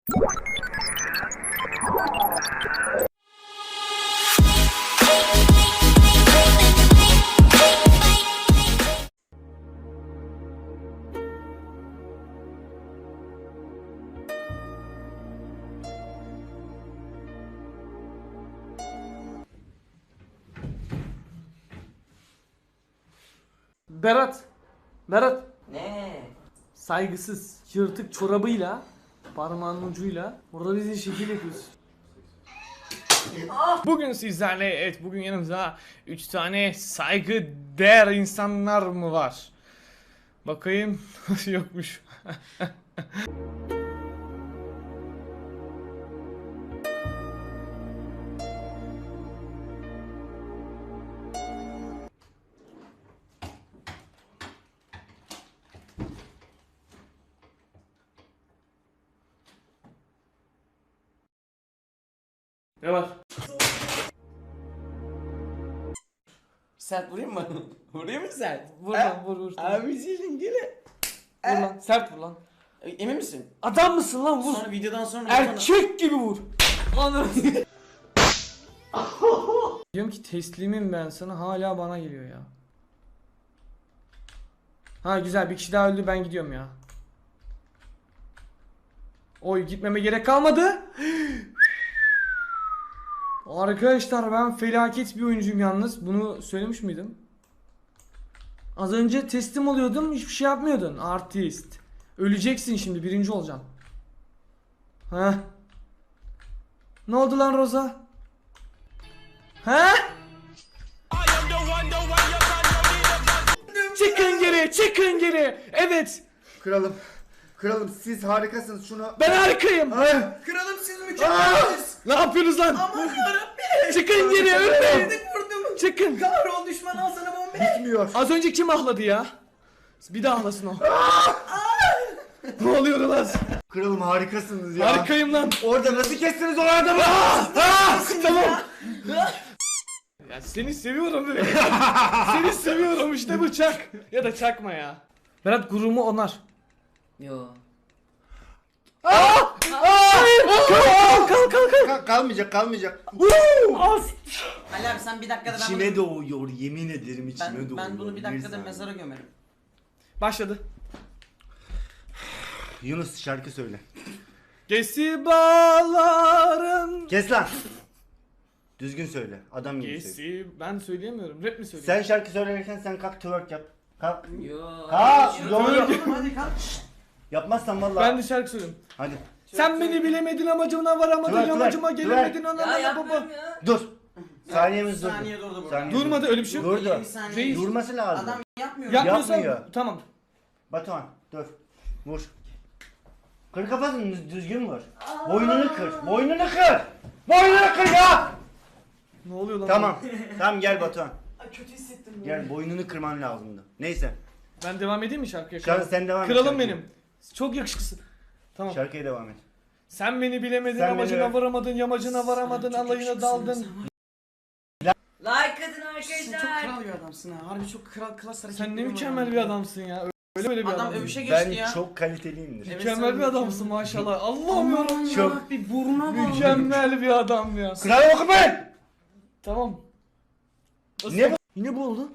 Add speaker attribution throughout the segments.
Speaker 1: Berat. Berat.
Speaker 2: Ne?
Speaker 1: Saygısız, yırtık çorabıyla, parmağının ucuyla burada bizi şekil yapıyorsun. Bugün sizlerle, evet bugün yanımızda 3 tane saygı değer insanlar mı var? Bakayım, yokmuş. Ne var?
Speaker 2: Sert vurayım mı? Vurayım mı sert?
Speaker 1: Vur lan, vur.
Speaker 2: Abi senin gene.
Speaker 1: Vur lan, sert vur lan.
Speaker 2: Emin misin?
Speaker 1: Adam mısın lan, vur.
Speaker 2: Sonra videodan sonra
Speaker 1: Erkek gibi vur. Anam. Diyorum ki teslimim ben sana, hala bana geliyor ya. Ha güzel, bir kişi daha öldü, ben gidiyorum ya. Oy, gitmeme gerek kalmadı. Arkadaşlar ben felaket bir oyuncuyum yalnız. Bunu söylemiş miydim? Az önce teslim oluyordum, hiçbir şey yapmıyordun. Artist. Öleceksin şimdi, birinci olacaksın. Heh. Ne oldu lan Roza? He? Çıkın geri, çıkın geri. Evet.
Speaker 3: Kralım siz harikasınız şunu.
Speaker 1: Ben harikayım.
Speaker 2: Kralım siz mükemmelsiniz.
Speaker 1: Ne yapıyorsunuz lan?
Speaker 2: Aman yarabbim.
Speaker 1: Çıkın geri, ölmeyin.
Speaker 2: Vurdum.
Speaker 1: Çıkın.
Speaker 2: Kahrol düşman al sana bombe.
Speaker 3: Bitmiyor.
Speaker 1: Az önce kim ahladı ya? Bir daha ahlasın o. Ne oluyor lan?
Speaker 3: Kralım harikasınız ya.
Speaker 1: Harikayım lan.
Speaker 3: Orada nasıl kestiniz o adamı?
Speaker 1: Tamam. Ya seni seviyorum be. Seni seviyorum, işte bıçak. Ya da çakma ya. Berat gururumu onar.
Speaker 2: Yo.
Speaker 3: Kalmayacak.
Speaker 1: Az.
Speaker 2: Ali abi sen bir dakikada ben
Speaker 3: İçime doğuyor, yemin ederim içime doğuyor.
Speaker 2: ben bunu bir dakikada
Speaker 3: saniye.
Speaker 2: mezara gömerim.
Speaker 1: Başladı.
Speaker 3: Yunus şarkı söyle.
Speaker 1: Gesibaların.
Speaker 3: Kes lan. Düzgün söyle. Adam gibi söyle.
Speaker 1: Gesi. Ben söyleyemiyorum. Rap mi söyleyeyim?
Speaker 3: Sen şarkı söylerken sen kalk twerk yap. Kalk.
Speaker 2: Yo.
Speaker 3: Kalk.
Speaker 2: Yo.
Speaker 3: Doğru.
Speaker 2: Hadi kalk.
Speaker 3: Yapmazsan vallahi.
Speaker 1: Ben de şarkı söyleyeyim.
Speaker 3: Hadi.
Speaker 1: Sen beni bilemedin, amacına varamadın,
Speaker 3: Twerk,
Speaker 1: yamacıma
Speaker 3: twerk,
Speaker 1: gelemedin,
Speaker 2: Ya
Speaker 1: anana baba.
Speaker 2: yapmıyorum ya.
Speaker 3: Dur. Saniyemiz durdu.
Speaker 2: Saniye durdu burada.
Speaker 3: Saniye
Speaker 1: Durmadı, öyle bir şey yok.
Speaker 3: Durdu.
Speaker 2: 20 saniye.
Speaker 1: Reis.
Speaker 3: Durması lazım.
Speaker 2: Adam yapmıyor.
Speaker 1: Yapmıyorsan
Speaker 3: Yapmıyor.
Speaker 1: tamam.
Speaker 3: Batuhan dur. Vur. Kır kafasını düzgün vur. Boynunu kır. Boynunu kır. Boynunu kır ya.
Speaker 1: Ne oluyor lan?
Speaker 3: Tamam. Tamam gel Batuhan.
Speaker 2: Kötü hissettim.
Speaker 3: Gel boynunu kırman lazımdı. Neyse.
Speaker 1: Ben devam edeyim mi şarkıya?
Speaker 3: Şu an sen devam et.
Speaker 1: Kralım
Speaker 3: şarkıya.
Speaker 1: benim. Çok yakışıklısın. Tamam.
Speaker 3: Şarkıya devam et.
Speaker 1: Sen beni bilemedin,
Speaker 3: Sen
Speaker 1: amacına
Speaker 3: beni-
Speaker 1: varamadın, yamacına varamadın, alayına daldın.
Speaker 2: Like atın
Speaker 4: Sen
Speaker 2: arkadaşlar.
Speaker 4: çok kral bir adamsın ha. Harbi çok kral klas hareketleri
Speaker 1: Sen ne
Speaker 4: var
Speaker 1: mükemmel
Speaker 4: abi.
Speaker 1: bir adamsın ya. Öyle böyle bir
Speaker 2: Adam
Speaker 1: adam.
Speaker 2: övüşe geçti
Speaker 3: Ben
Speaker 2: ya.
Speaker 3: çok kaliteliyimdir.
Speaker 2: Evet,
Speaker 1: Mükemmel
Speaker 2: sen
Speaker 1: bir adamsın maşallah. Allah'ım
Speaker 4: Aman
Speaker 1: yarabbim.
Speaker 3: Çok.
Speaker 4: bir buruna bak.
Speaker 1: Mükemmel bir adam ya.
Speaker 3: Kral oku ben.
Speaker 1: Tamam. Nasıl?
Speaker 3: Ne bu?
Speaker 1: Yine bu oldu.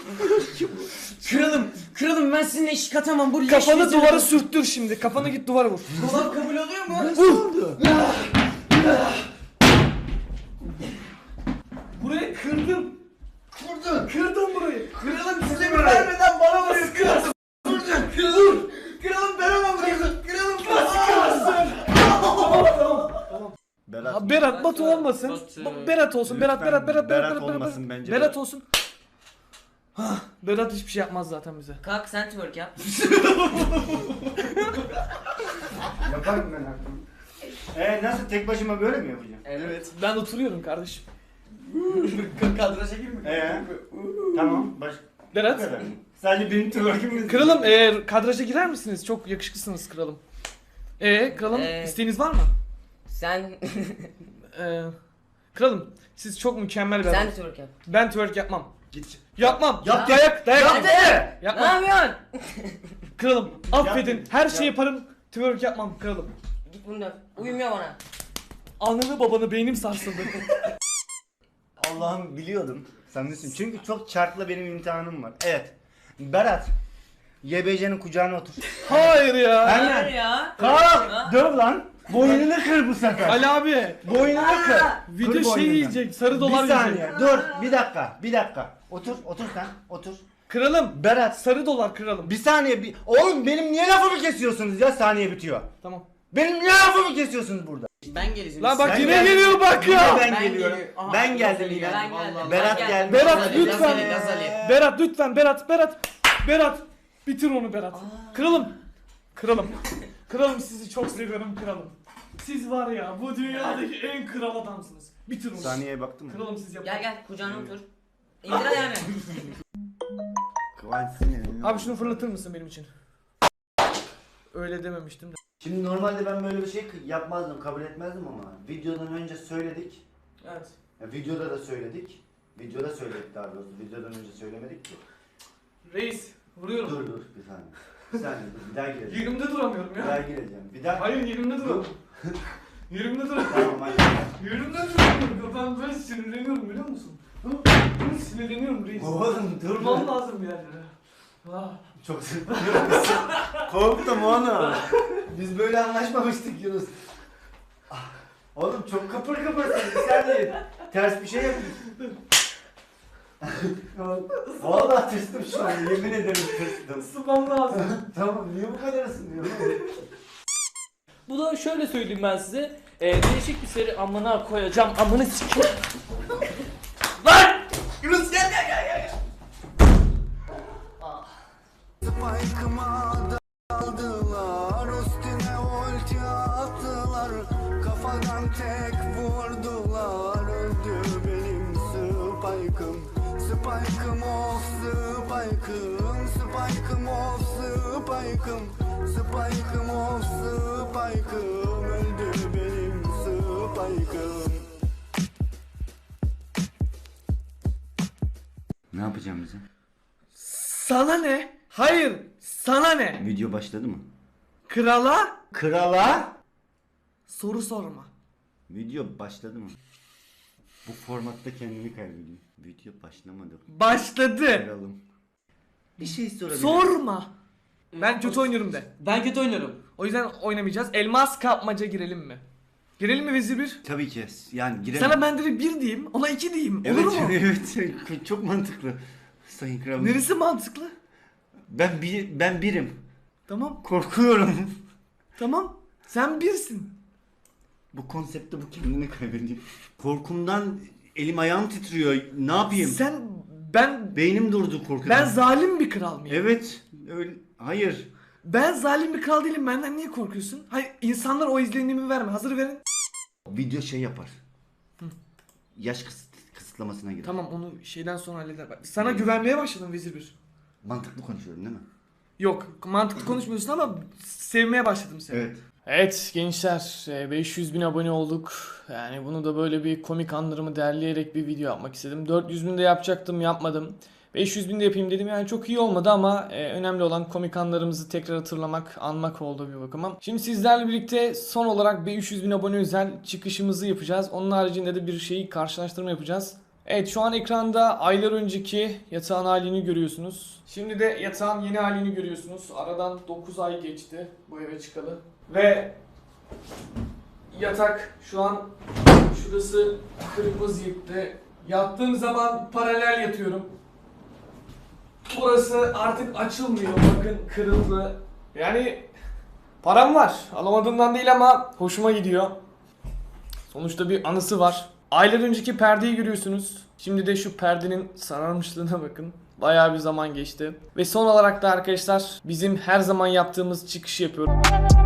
Speaker 4: Kralım ben sizinle iş katamam. Bu leş
Speaker 1: Kafanı
Speaker 4: yüzüne-
Speaker 1: duvara sürttür şimdi. Kafanı git duvara vur.
Speaker 2: Dolap kabul oluyor mu?
Speaker 1: Burayı kırdım. Kırdım burayı.
Speaker 2: Kralım size mi vermeden bana vuruyor kralım. Kralım. Kralım ben ama vuruyorum. Kralım.
Speaker 3: Berat.
Speaker 1: Ha, Berat Batu olmasın. Berat olsun. Berat
Speaker 3: Lütfen Berat olmasın bence.
Speaker 1: Berat olsun. Hah, Berat hiçbir şey yapmaz zaten bize.
Speaker 2: Kalk sen twerk yap.
Speaker 3: Yaparım ben artık. Nasıl tek başıma böyle mi yapacağım?
Speaker 2: Evet.
Speaker 1: Ben oturuyorum kardeşim.
Speaker 2: Kadraja girme.
Speaker 3: Tamam. Bu
Speaker 1: Berat.
Speaker 3: kadar. Sadece benim twerk'im mi?
Speaker 1: Kralım kadraja girer misiniz? Çok yakışıklısınız kralım. Kralım isteğiniz var mı?
Speaker 2: Sen
Speaker 1: Kralım siz çok mükemmel bir adam.
Speaker 2: twerk yap.
Speaker 1: Ben twerk yapmam.
Speaker 3: Git.
Speaker 1: Yapmam.
Speaker 3: Yap,
Speaker 1: Dayak.
Speaker 2: Hadi. Ne
Speaker 1: Yapmam.
Speaker 2: yapıyorsun?
Speaker 1: Kralım affedin.
Speaker 3: Yap.
Speaker 1: Her şeyi
Speaker 3: Yap.
Speaker 1: yaparım. Twerk yapmam kralım.
Speaker 5: Git bunu dön. Uyumuyor bana.
Speaker 1: Ananı babanı beynim sarsıldı.
Speaker 3: Allah'ım biliyordum. Sen nesin? Çünkü çok çarkla benim imtihanım var. Evet. Berat. YBC'nin kucağına otur.
Speaker 1: Hayır ya.
Speaker 5: Hayır ya.
Speaker 3: Kalk! Döv lan. Boynunu kır bu sefer.
Speaker 1: Ali abi.
Speaker 3: Boynunu kır.
Speaker 1: Video
Speaker 3: Kır
Speaker 1: şey
Speaker 3: boynunu.
Speaker 1: yiyecek. Sarı dolar
Speaker 3: Bir saniye.
Speaker 1: yiyecek.
Speaker 3: Dur. Bir dakika. Otur sen. Otur.
Speaker 1: Kıralım.
Speaker 3: Berat.
Speaker 1: Sarı dolar kıralım.
Speaker 3: Bir saniye. Oğlum benim niye lafımı kesiyorsunuz ya? Saniye bitiyor.
Speaker 1: Tamam.
Speaker 3: Benim niye lafımı kesiyorsunuz burada?
Speaker 4: Ben geleceğim.
Speaker 1: Lan bak
Speaker 3: Ben
Speaker 1: yine
Speaker 3: geldim.
Speaker 1: geliyor bak
Speaker 3: Yine
Speaker 1: ya.
Speaker 3: ben
Speaker 4: Ben
Speaker 3: geliyorum.
Speaker 4: geliyor. Aha,
Speaker 3: Ben geldim
Speaker 4: Gazali
Speaker 3: yine.
Speaker 4: geldi.
Speaker 5: Ben geldim.
Speaker 4: Vallahi.
Speaker 3: Berat
Speaker 5: Ben
Speaker 3: geldi.
Speaker 1: Berat
Speaker 4: Gazali,
Speaker 1: lütfen.
Speaker 4: Gazali, Gazali.
Speaker 1: Berat lütfen Berat. Bitir onu Berat. Kıralım sizi çok seviyorum kıralım. Siz var ya bu dünyadaki en kral adamsınız. Bitir onu.
Speaker 3: Saniyeye baktım mı?
Speaker 1: Kıralım siz yapın.
Speaker 5: Gel kucağına otur. İndir ayağını.
Speaker 3: Kıvanç sinirli.
Speaker 1: Abi şunu fırlatır mısın benim için? Öyle dememiştim de.
Speaker 3: Şimdi normalde ben böyle bir şey yapmazdım, kabul etmezdim ama videodan önce söyledik.
Speaker 1: Evet.
Speaker 3: Ya videoda da söyledik. Videoda söyledik daha doğrusu. Videodan önce söylemedik ki.
Speaker 1: Reis vuruyorum.
Speaker 3: Dur bir saniye. Bir saniye dur. Bir daha gireceğim.
Speaker 1: Yerimde duramıyorum
Speaker 3: Bir daha
Speaker 1: ya.
Speaker 3: gireceğim. Bir daha.
Speaker 1: Hayır yerimde duramıyorum. Yerimde duramıyorum.
Speaker 3: Tamam hadi.
Speaker 1: Yerimde duramıyorum. Ben böyle sinirleniyorum biliyor musun? Sinirleniyorum reis.
Speaker 3: Oğlum dur.
Speaker 1: Durmam lazım bir yerlere. Ah.
Speaker 3: Çok sinirleniyorum. Korktum oğlum. Biz böyle anlaşmamıştık Yunus. Ah, oğlum çok kıpır kıpırsın. Bir saniye. Ters bir şey yapıyorsun. Vallahi tırstım şu an. Yemin ederim tırstım.
Speaker 1: Isınmam lazım.
Speaker 3: Tamam niye bu kadar ısınıyorsun?
Speaker 6: Bu da şöyle söyleyeyim ben size. Değişik bir seri amına koyacağım. Amını sikeyim. Lan!
Speaker 2: Yunus gel.
Speaker 7: Spike'ıma daldılar, üstüne ulti attılar, kafadan tek vurdular, öldü benim Spike'ım. Spike'ım of Spike'ım, Spike'ım of Spike'ım, Spike'ım of Spike'ım, öldü benim Spike'ım.
Speaker 3: Ne yapacağım bize?
Speaker 1: Sana ne? Hayır. Sana ne?
Speaker 3: Video başladı mı?
Speaker 1: Krala
Speaker 3: Krala?
Speaker 1: soru sorma.
Speaker 3: Video başladı mı? Bu formatta kendimi kaybediyorum. Video başlamadı.
Speaker 1: Başladı.
Speaker 3: Kralım. Bir şey sorabilirim.
Speaker 1: Sorma. Ben kötü oynuyorum de.
Speaker 4: Ben kötü oynuyorum.
Speaker 1: O yüzden oynamayacağız. Elmas kapmaca girelim mi? Girelim mi Vezir 1?
Speaker 3: Tabii ki. Yani giremem.
Speaker 1: Sana ben direkt 1 diyeyim, ona 2 diyeyim. Olur
Speaker 3: Evet,
Speaker 1: mu?
Speaker 3: evet. Çok mantıklı. Sayın kralım.
Speaker 1: Neresi mantıklı?
Speaker 3: Ben birim.
Speaker 1: Tamam.
Speaker 3: Korkuyorum.
Speaker 1: Tamam. Sen birsin.
Speaker 3: Bu konseptte bu kendini kaybediyor. Korkumdan elim ayağım titriyor. Ne yapayım?
Speaker 1: Ben
Speaker 3: Beynim durdu korkudan.
Speaker 1: zalim bir kral mıyım?
Speaker 3: Evet. Öyle. Hayır.
Speaker 1: Ben zalim bir kral değilim. Benden niye korkuyorsun? Hayır, insanlar o izlenimi verme. Hazır verin.
Speaker 3: Video şey yapar. Yaş kısıtlamasına girer.
Speaker 1: Tamam, onu şeyden sonra halleder. Bak, sana güvenmeye başladım Vezir 1.
Speaker 3: Mantıklı konuşuyorum değil mi?
Speaker 1: Yok, mantıklı konuşmuyorsun ama sevmeye başladım seni.
Speaker 3: Evet.
Speaker 1: Evet gençler, 500 bin abone olduk. Yani bunu da böyle bir komik anlarımı derleyerek bir video yapmak istedim. 400 bin de yapacaktım, yapmadım. 500 bin de yapayım dedim, yani çok iyi olmadı ama önemli olan komik anlarımızı tekrar hatırlamak, anmak oldu bir bakıma. Şimdi sizlerle birlikte son olarak 500 bin abone özel çıkışımızı yapacağız. Onun haricinde de bir şeyi karşılaştırma yapacağız. Evet, şu an ekranda aylar önceki yatağın halini görüyorsunuz. Şimdi de yatağın yeni halini görüyorsunuz. Aradan 9 ay geçti bu eve çıkalı. Ve yatak şu an şurası kırık vaziyette. Yattığım zaman paralel yatıyorum. Burası artık açılmıyor. Bakın kırıldı. Yani param var. Alamadığımdan değil ama hoşuma gidiyor. Sonuçta bir anısı var. Aylar önceki perdeyi görüyorsunuz. Şimdi de şu perdenin sararmışlığına bakın. Bayağı bir zaman geçti. Ve son olarak da arkadaşlar bizim her zaman yaptığımız çıkışı yapıyorum.